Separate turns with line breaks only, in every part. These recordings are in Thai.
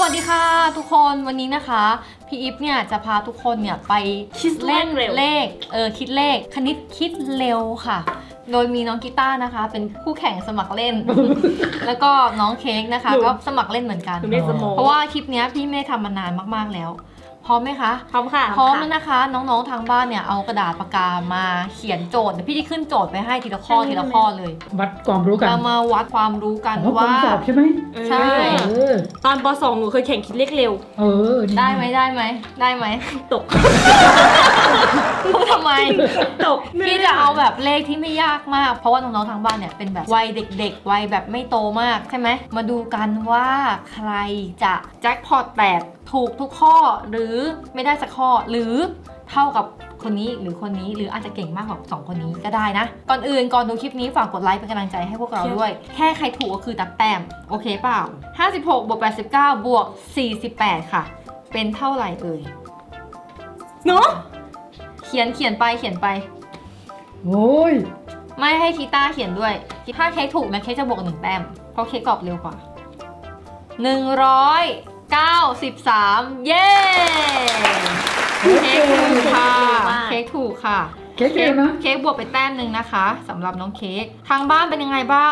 วัสดีค่ะทุกคนวันนี้นะคะพี่อิฟเนี่ยจะพาทุกคนเนี่ยไปคิดเล่นเลขคิดเลขคณิตคิดเร็วค่ะโดยมีน้องกีตาร์นะคะเป็นผู้แข่งสมัครเล่น แล้วก็น้องเค้กนะคะก็สมัครเล่นเหมือนกันเพราะว่าคลิปนี้พี่ไม่ได้ทำมานานมากๆแล้วพร้อมไหมคะ
พร้อมค่ะ
พร้อมแล้วนะคะน้องๆทางบ้านเนี่ยเอากระดาษปากกามาเขียนโจทย์พี่ที่ขึ้นโจทย์ไปให้ทีละข้อทีละข้อเลย
วัดความรู้กัน
เรามาวัดความรู้กันว่า
สอบใช่ไหม
ใช่
ตอนป .2 หนูเคยแข่งคิดเลขเร็ว
ได้ไหม
ตก
พูดทำไม
ตก
พี่จะเอาแบบเลขที่ไม่ยากมากเพราะว่าน้องๆทางบ้านเนี่ยเป็นแบบวัยเด็กๆวัยแบบไม่โตมากใช่ไหมมาดูกันว่าใครจะแจ็คพอตแตกถูกทุกข้อหรือไม่ได้สักข้อหรือเท่ากับคนนี้หรือคนนี้หรืออาจจะเก่งมากกว่า2คนนี้ก็ได้นะก่อนอื่นก่อนดูคลิปนี้ฝากกดไลค์เป็นกำลังใจให้พวกเราด้วยแค่ใครถูกก็คือตัดแต้มโอเคเปล่า56บวก89บวก48ค่ะเป็นเท่าไหร่เอ่ย
เนาะ
เขียนไป
โอ้ย
ไม่ให้คีต้าเขียนด้วยถ้าเค้กถูกนะเค้กจะบวก1แต้มเพราะเค้กตอบเร็วกว่า193เย้เค้กถูกค่ะเค้กถูกค่ะ
เค้กเองนะ
เค้กบวกไปแต้มหนึ่งนะคะสำหรับน้องเค้กทางบ้านเป็นยังไงบ้าง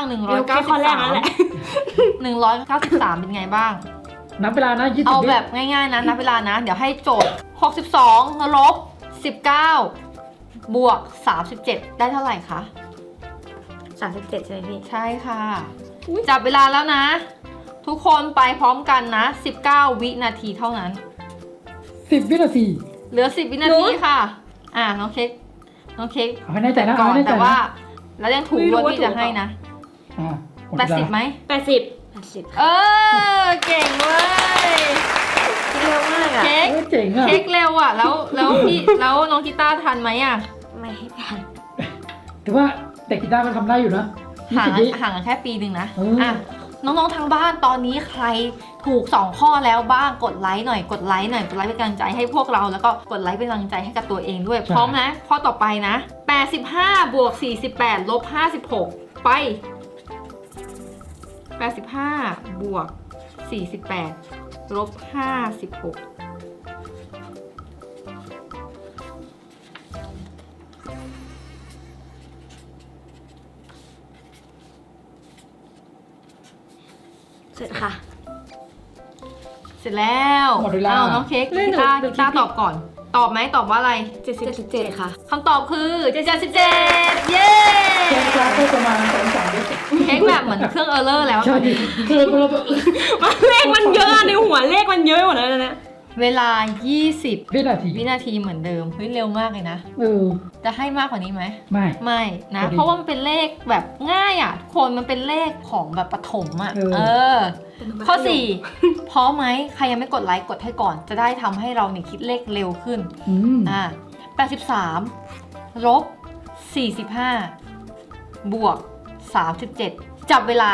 193เป็นยังไงบ้าง
นับเวลานะ20
เอาแบบง่ายๆนะนับเวลานะเดี๋ยวให้โจทย์62ลบ19บวก37ได้เท่าไหร่คะ
37ใช่ไหมพี่
ใช่ค่ะจับเวลาแล้วนะทุกคนไปพร้อมกันนะ19วินาทีเท่านั้น
10วินาที
เหลือ10วินาทีค่ะน้องเค้ก
เอาให้แน่ใจนะ
ก่อนแต่ว่าแล้วยังถูกด้วยพี่จะให้นะ80ไหม
80
เก่งเว้ย
เร็วมากอะ
เค้กเร็วอ่ะแล้วพี่แล้วน้องกีตาร์ทันไหมอ่ะ
ไม่ทัน
แต่ว่าแต่กีตาร์มันทำได้อยู่นะ
ห่างกันแค่ปีหนึ่งนะน้องๆทางบ้านตอนนี้ใครถูก2ข้อแล้วบ้างกดไลค์หน่อยกดไลค์เป็นกำลังใจให้พวกเราแล้วก็กดไลค์เป็นกำลังใจให้กับตัวเองด้วยพร้อมนะข้อต่อไปนะ85บวก48ลบ56ไป85บวก48ลบ56
เสร็จค่ะ
เสร็จแล้วน้องเค้กกีตาร์ตอบก่อนตอบไหมตอบว่าอะไร
77ค่ะ
คำตอบคือ77เย้
เค้กกราฟก็ประมาณ
เค้กแบบเหมือนเครื่องเออร์เลอร์แล้ว
เลขมันเยอะในหัวเลขมันเยอะหมดแล้วนะ
เวลา20วินาทีเหมือนเดิมเฮ้ยเร็วมากเลยนะจะให้มากกว่านี้ไหมไม่นะเพราะว่ามันเป็นเลขแบบง่ายอ่ะทุกคนมันเป็นเลขของแบบประถมอ่ะข้อ4พร้อมไหมใครยังไม่กดไลค์กดให้ก่อนจะได้ทำให้เราเนี่ยคิดเลขเร็วขึ้น83ลบ45บวก37จับเวลา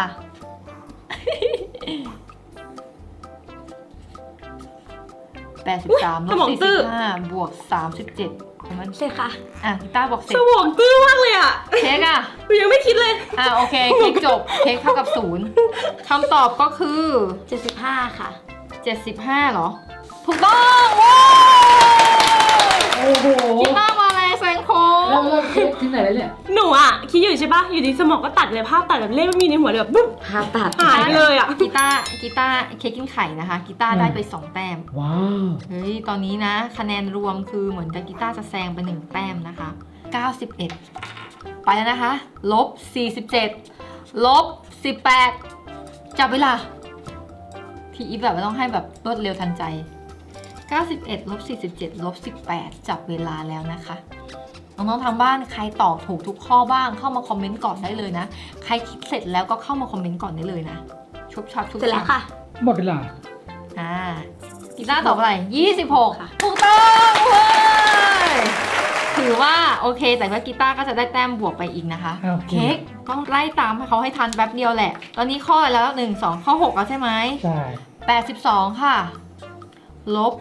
83ลบ45บวก37มัน
เสร็จค่ะ
กีตาร์บอกเสร็จ
สมองตื้อมากเลยอ่ะ
เค้ก
ยังไม่คิดเลย
โอเคเค้กจบเค้กเท่ากับ0คำตอบก็คือ
75ค่ะ
75เหรอถูกต้องว้าว
โอ้โห
กีตาร์มาอะไรแซงโค้ง
แล้วเค้กที่ไหนแล้วเนี่ย
หนูคิดอยู่ใช่ปะอยู่ดีสมองก็ตัดเลยภาพตัดแบบเลขไม่มีในหัวเลยแบบปุ๊บ
ภาพตัด
หายเลยกี
ตาร์เค้กกินไข่นะคะกีตาร์ได้ไป2แต้ม
ว้าว
เฮ้ยตอนนี้นะคะแนนรวมคือเหมือนกับกีตาร์จะแซงไป1แต้มนะคะ91ไปแล้วนะคะลบ47ลบ18จับเวลาพี่อีฟแบบต้องให้แบบรวดเร็วทันใจ91ลบ47ลบ18จับเวลาแล้วนะคะน้องๆทางบ้านใครตอบถูกทุกข้อบ้างเข้ามาคอมเมนต์ก่อนได้เลยนะใครคิดเสร็จแล้วก็เข้ามาคอมเมนต์ก่อนได้เลยนะชุบชับ
เสร็จแล้วค่ะ
หมดเวลา
กีตาร์ตอบอะไร26ค่ะถูกต้องเว้ยถือว่าโอเคแต่ว่ากีตาร์ก็จะได้แต้มบวกไปอีกนะคะเค้กต้องไล่ตามให้เขาให้ทันแป๊บเดียวแหละตอนนี้ข้อแล้ว1 2ข้อ6แล้วใช่ไหม
ใช่
82ค่ะลบ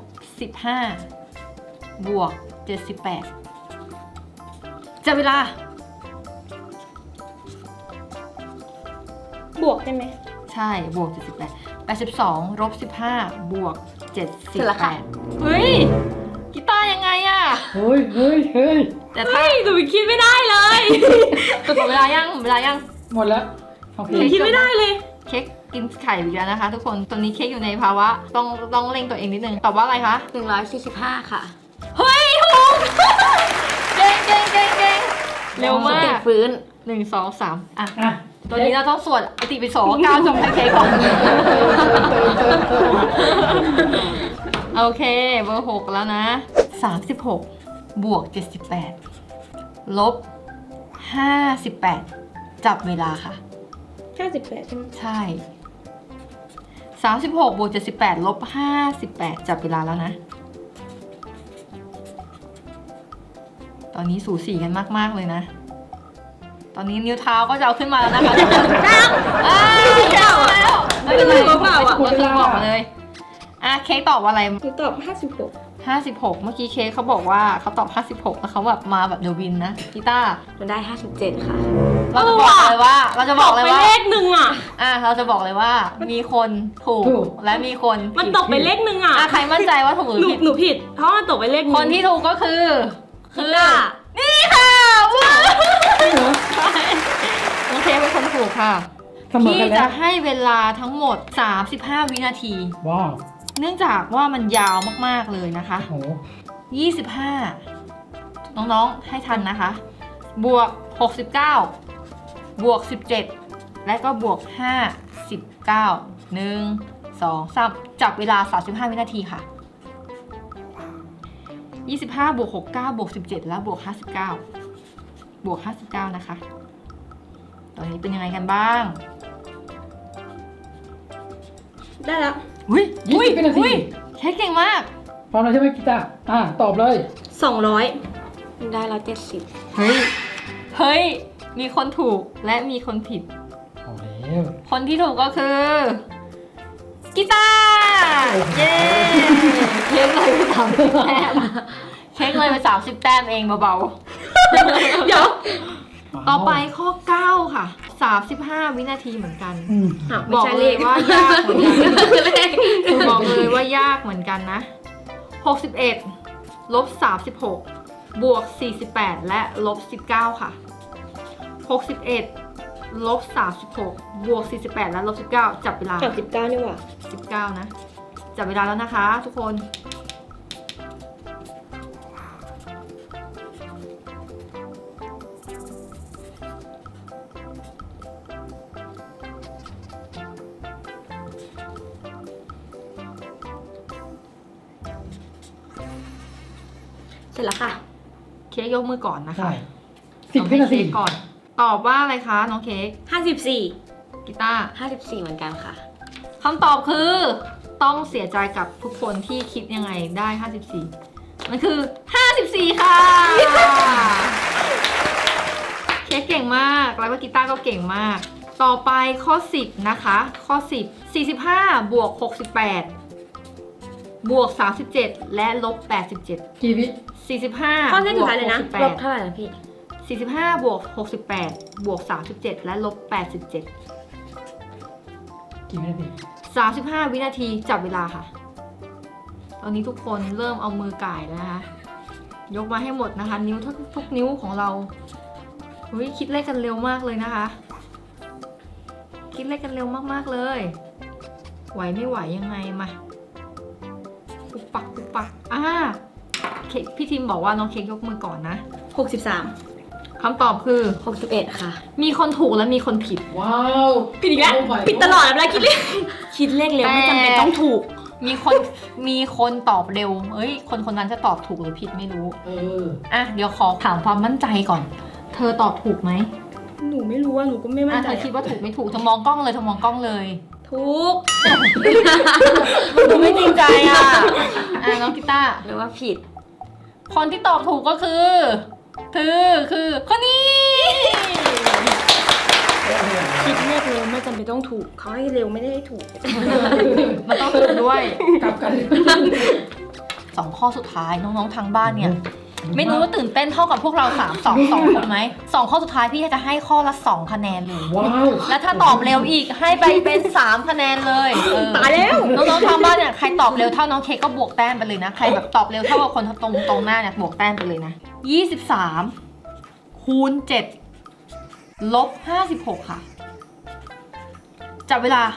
15บวก78จับเวลา
บวกใช่ไหม
ใช่บวก78 82ลบ15บวก
เสร็จแล้วค่ะ
78เฮ้ยกีตาร์ยังไงอะ
เฮ้ยเฮ้ยเฮ้ย
แต่ถ้า
หนูคิดไม่ได้เลย
หมดเวลายังหมดเวลายัง
หมดแล้วโอเค
หนูคิดไม่ได้เลย
เค้กกินไข่อีกแล้วนะคะ ทุกคนตอนนี้เค้กอยู่ในภาวะต้องเร่งตัวเองนิดนึงตอบว่าอะไรคะ
145ค่ะ
เฮ้ยถูก เก่งเก่งเก่งเก่งเร็วมา
ติ
ก
ฟื้น
1 2 3อ่ะ
อ่ะ
ตัวนี้เราต้องสวดอติปิโส9จงให้เค้กก่อน โอเคเบอร์6แล้วนะ36บวก78ลบ58จับเวลาค่ะ
58ใช่ไหม
ใช่36บวก78ลบ58จับเวลาแล้วนะ ตอนนี้สูสีกันมากๆเลยนะ ตอนนี้นิ้วเท้าก็จะเอาขึ้นมาแล้วนะคะทุกคนเก้าแล้วไม่เป็นไรเราคือบอกมาเลยอ่ะเค้กตอบว่าอะไร
หนูตอบ
56 เมื่อกี้เค้กเขาบอกว่าเขาตอบ56แล้วเขาแบบมาแบบเดวินนะกีตาร์
หนูได้ 57 ค่ะ
เราจะบอกเลยว่า เราจะบอกเลย
ไป
ว่า
เลขหนึ่งอ่ะ
เราจะบอกเลยว่า มีคนถูกและมีคน
มัน
ผิด
ตกไปเลขหนึ่งอ่ะ
ใครมั่นใจว่าถูกหรือผิด
หนูผิด เพราะมันตกไปเลขหนึ่ง
คนที่ถูกก็คือ
กีตาร์
นี่ค่ะว้าว
จริงเหรอ
น้องเค้กเป็นคนถูกค่ะ
เสมอ
พี่
กันแล้
จะ
ว
ให้เวลาทั้งหมด 35 วินาที
ว้าว
เนื่องจากว่ามันยาวมากๆเลยนะคะ
โอ้โห
25 น้องๆให้ทันนะคะ บวก 69 บวก 17 และก็บวก 59 1 2 3 จับเวลา 35 วินาทีค่ะ 25 บวก 69 บวก 17 แล้วบวก 59 บวก 59 นะคะ ตอนนี้เป็นยังไงกันบ้าง
ได้แล้ว
อุ้ย
20วินาที
เค้กเก่งมาก
พร้อมแล้วใช่ไหมกีตาร์ตอบเลย
200
หนูได้170
เฮ้ย มีคนถูกและมีคนผิด
เอาแล้ว
คนที่ถูกก็คือกีตาร์เย้เค้กเลยไป30 แต้มเค้กเลยไป30 แต้มเองเบา
เดี๋ยว
ๆ ต่อไปข้อ 9 ค่ะ 35 วินาทีเหมือนกัน
อืม
ไม่
บอก
ใช่
เล
เลย ข
ว่ายากเหมือนกันบอกเลยว่ายากเหมือนกันนะ 61ลบ36บวก48และลบ19ค่ะ61ลบ36บวก48และลบ19จับเวลา
39นี่หว่า
19นะจับเวลาแล้วนะคะทุกคน
เสร็จแล้วค่ะ
เค้กยกมือก่อนนะคะ
ใช่10 วินาที
เค้กก่อน ตอบว่าอะไรคะน้องเค้ก
54
กีตาร์
54 เหมือนกันค่ะ
คำตอบคือต้องเสียใจกับทุกคนที่คิดยังไงได้ 54 มันคือ 54 ค่ะ เค้กเก่งมาก แล้วก็กีตาร์ก็เก่งมาก ต่อไปข้อ 10 นะคะ ข้อ 10 45 บวก 68 บวก 37 และลบ 87
กี่วิ
45
ข้อเลขสุดท้ายเลยนะ
ลบเท่าไหร่นะพี่
45 บวก 68 บวก 37 และลบ 87
กี่วินาที
35 วินาทีจับเวลาค่ะ ตอนนี้ทุกคนเริ่มเอามือก่ายแล้วนะคะ ยกมาให้หมดนะคะ นิ้วทุกนิ้วของเราเฮ้ยคิดเลขกันเร็วมากเลยนะคะ คิดเลขกันเร็วมากๆเลย ไหวไม่ไหวยังไงมาปุบปักปุบปักเค้กพี่ทิมบอกว่าน้องเค้กยกมือก่อนนะ
63
คำตอบคือ
61 ค่ะ
มีคนถูกและมีคนผิด
ว้าว
ผิดอีกแล้ว
โ my
ผิดตลอดเวลาคิดเลข คิดเลขเร็วไม่จำเป็นต้องถูก
มีคนตอบเร็ว เอ้ย คนนั้นจะตอบถูกหรือผิดไม่รู้
เออ
เดี๋ยวขอถามความมั่นใจก่อน เธอตอบถูกไหม
หนูไม่รู้ว่าหนูก็ไม่มั่นใจ
เธอคิดว่าถูกไม่ถูก เธอมองกล้องเลย เธอมองกล้องเลย
ถูก
ดูไม่จริงใจน้องกีตาร์
หรือว่าผิด
คนที่ตอบถูกก็คือคนนี้
คิดเลขเร็วไม่จำเป็นต้องถูก เขาให้เร็วไม่ได้ให้ถูก
มันต้องถูกด้วย
กลับกัน
2 ข้อสุดท้ายน้องๆทางบ้านเนี่ยไม่รู้ว่าตื่นเต้นเท่ากับพวกเรา2คนไหม2ข้อสุดท้ายพี่จะให้ข้อละ2คะแนนเลย
ว้าว
แล้วถ้าตอบเร็วอีกให้ไปเป็น3คะแนนเลย
ตายแล้ว
น้องๆทางบ้านเนี่ยใครตอบเร็วเท่าน้องเค้กก็บวกแต้มไปเลยนะใครแบบตอบเร็วเท่ากับคนตรงหน้าเนี่ยบวกแต้มไปเลยนะ23คูณ7ลบ56ค่ะจับเวลา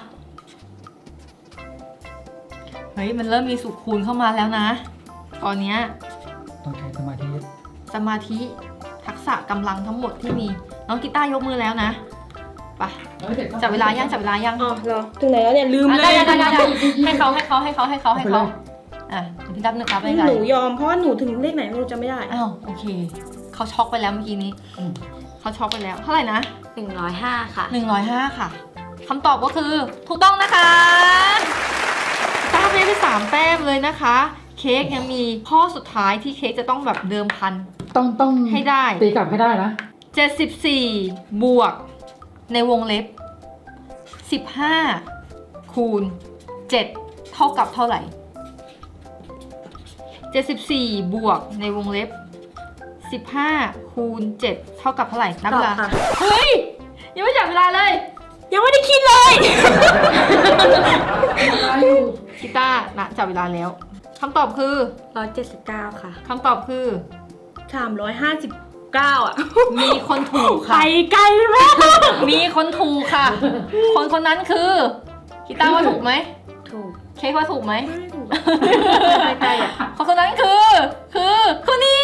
เฮ้ยมันเริ่มมีสูตรคูณเข้ามาแล้วนะตอนเนี้ย
ต้องใช้สมาธิ
สมาธิทักษะกำลังทั้งหมดที่มีน้องกีตาร์ยกมือแล้วนะไปจับเวลายังจับเวลายัง
อ๋อเหรอถึงไหนแล้วเนี่ยลืม
อ่ะ
เล
ได้
ย
ได้ให้เขาอ่ะเดี๋ยวพี่ดับหนึ่งครับไม่ได้
หนูยอมเพราะว่าหนูถึงเลขไหนหนูจำไม่ได้
อ้าวโอเคเขาช็อกไปแล้วเมื่อกี้นี้
อืม
เขาช็อกไปแล้วเท่าไหร่นะ
105 ค่ะ
105ค่ะคำตอบก็คือถูกต้องนะคะตาได้ไป3แต้มเลยนะคะ เค้กยังมีข้อสุดท้ายที่เค้กจะต้องแบบเดิมพัน
ต้อง
ให้ได้
ตีกลับให้ได้นะ
74บวกในวงเล็บ15คูณ7เท่ากับเท่าไหร่74บวกในวงเล็บ15คูณ7เท่ากับเท่าไหร่นับเวลา
ตอบค่ะ
เฮ้ยยังไม่จับเวลาเลย
ยังไม่ได้คิดเลย
กีตาร์นะจับเวลาแล้วคำตอบคือ
179 ค่ะ
คำตอบคือ
359 อ่ะ
มีคนถูก
ไป
ค่ะ
ไกลมาก
มีคนถูกค่ะ คนนั้นคือกีตาร์ว่าถูกไหม
ถูก
เค้กว่าถูกไหม
ไม่ถูกไปไกลอ่ะ
คนนั้นคือคนนี้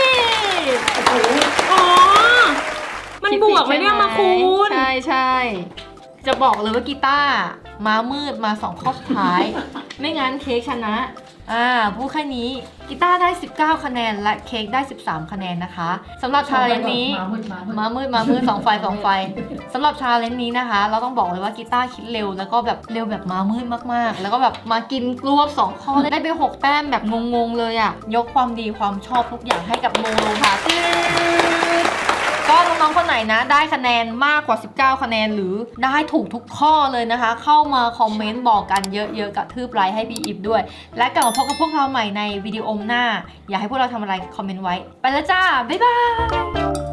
อ๋อ มันบวกไม่ได้มาคูณ
ใช่จะบอกเลยว่ากีตาร์มามืดมา2ข้อสุดท้าย ไม่งั้นเค้กชนะพูดแค่นี้กีตาร์ได้19คะแนนและเค้กได้13คะแนนนะคะสำหรับชาเลนจ์นี้ มามืด2 ไฟสำหรับชาเลนจ์นี้นะคะ เราต้องบอกเลยว่ากีตาร์คิดเร็วแล้วก็แบบเร็วแบบมามืดมากๆ แล้วก็แบบมากินรวบ2ข้อได้ไป6แต้มแบบงงๆเลยอ่ะยกความดีความชอบทุกอย่างให้กับโมโลค่ะก็น้องๆคนไหนนะได้คะแนนมากกว่า19คะแนนหรือได้ถูกทุกข้อเลยนะคะ เข้ามาคอมเมนต์บอกกันเยอะๆกระทืบไลค์ให้พี่อิฟด้วยและกลับมาพบกับพวกเราใหม่ในวิดีโอหน้าอยากให้พวกเราทำอะไรคอมเมนต์ไว้ไปแล้วจ้าบ๊ายบาย